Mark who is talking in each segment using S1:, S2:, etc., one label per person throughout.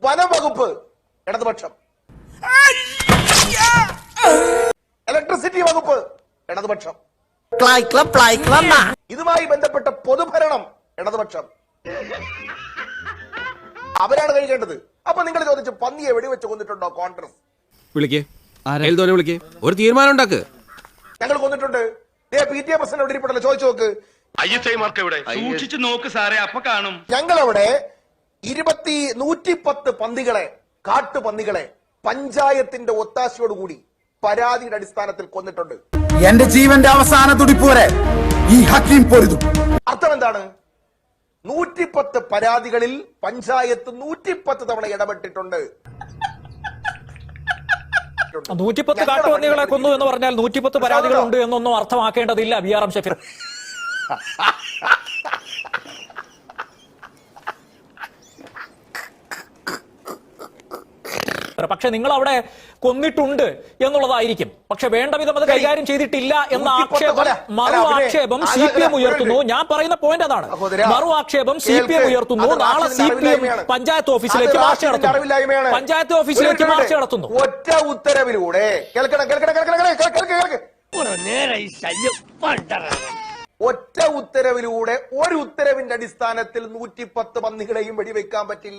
S1: വനംവകുപ്പ് ഇടതുപക്ഷം, ഇലക്ട്രിസിറ്റി വകുപ്പ് ഇടതുപക്ഷം, ഇതുമായി ബന്ധപ്പെട്ട പൊതുഭരണം ഇടതുപക്ഷം. അവരാണ് കഴിക്കേണ്ടത്. അപ്പൊ നിങ്ങൾ ചോദിച്ചു പന്നിയെ വെടിവെച്ച് കൊന്നിട്ടുണ്ടോ കോൺഗ്രസ്?
S2: വിളിക്കേ, ഒരു തീരുമാനം ഉണ്ടാക്ക്.
S1: ഞങ്ങൾ കൊന്നിട്ടുണ്ട്. PTA പ്രസിഡന്റ് എവിടെ ഇരിപ്പുണ്ടല്ലോ, ചോദിച്ചു നോക്ക്.
S3: സൂക്ഷിച്ചു നോക്ക് സാറേ, അപ്പൊ കാണും.
S1: ഞങ്ങളവിടെ 110 പന്നികളെ, കാട്ടുപന്നികളെ പഞ്ചായത്തിന്റെ ഒത്താശയോടുകൂടി പരാതിയുടെ അടിസ്ഥാനത്തിൽ കൊന്നിട്ടുണ്ട്.
S4: എന്റെ ജീവന്റെ അവസാന തുടിപ്പ് വരെ ഈ ഹക്കീം പൊരുതും.
S1: അർത്ഥം എന്താണ്? 110 പരാതികളിൽ പഞ്ചായത്ത് 110 തവണ ഇടപെട്ടിട്ടുണ്ട്.
S5: 110 കാട്ടുപന്നികളെ കൊന്നു എന്ന് പറഞ്ഞാൽ 110 പരാതികളുണ്ട് എന്നൊന്നും അർത്ഥമാക്കേണ്ടതില്ല. BRM ഷഫീർ, പക്ഷെ നിങ്ങൾ അവിടെ കൊന്നിട്ടുണ്ട് എന്നുള്ളതായിരിക്കും. പക്ഷെ വേണ്ട വിധം അത് കൈകാര്യം ചെയ്തിട്ടില്ല എന്ന മറു ആക്ഷേപം CPM ഉയർത്തുന്നു. ഞാൻ പറയുന്ന പോയിന്റ് അതാണ്. മറു ആക്ഷേപം CPM ഉയർത്തുന്നു. നാളെ CPM പഞ്ചായത്ത് ഓഫീസിലേക്ക് മാർച്ച് നടത്തുന്നു. പഞ്ചായത്ത് ഓഫീസിലേക്ക് മാർച്ച് നടത്തുന്നു.
S1: ഒറ്റ ഉത്തരവിലൂടെ ഒറ്റ ഉത്തരവിലൂടെ ഒരു ഉത്തരവിന്റെ അടിസ്ഥാനത്തിൽ 110 പന്നികളെയും വെടിവെക്കാൻ പറ്റില്ല.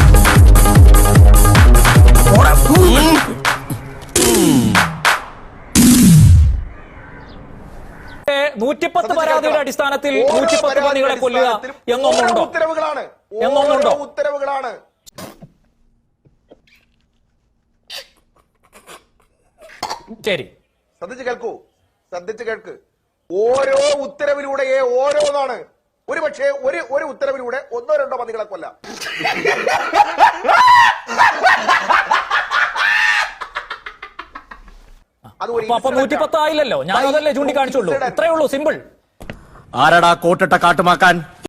S5: 110 പരാതിയുടെ അടിസ്ഥാനത്തിൽ 110 പന്നികളെ കൊല്ലുക എന്നൊന്നുണ്ടോ?
S1: ഉത്തരവുകളാണ്.
S5: ശരി,
S1: ശ്രദ്ധിച്ച് കേൾക്ക്. ഓരോ ഉത്തരവിലൂടെ ഓരോന്നാണ്. ഒരു പക്ഷേ ഒരു ഉത്തരവിലൂടെ 1-2 പന്നികളെ കൊല്ലാം.
S5: അപ്പൊ 110 ആയില്ലല്ലോ. ഞാൻ അതല്ലേ ചൂണ്ടിക്കാണിച്ചുള്ളൂ. ഇത്രയേ ഉള്ളൂ, സിമ്പിൾ.
S4: ആരടാ കോട്ടിട്ട കാട്ടുമാക്കാൻ?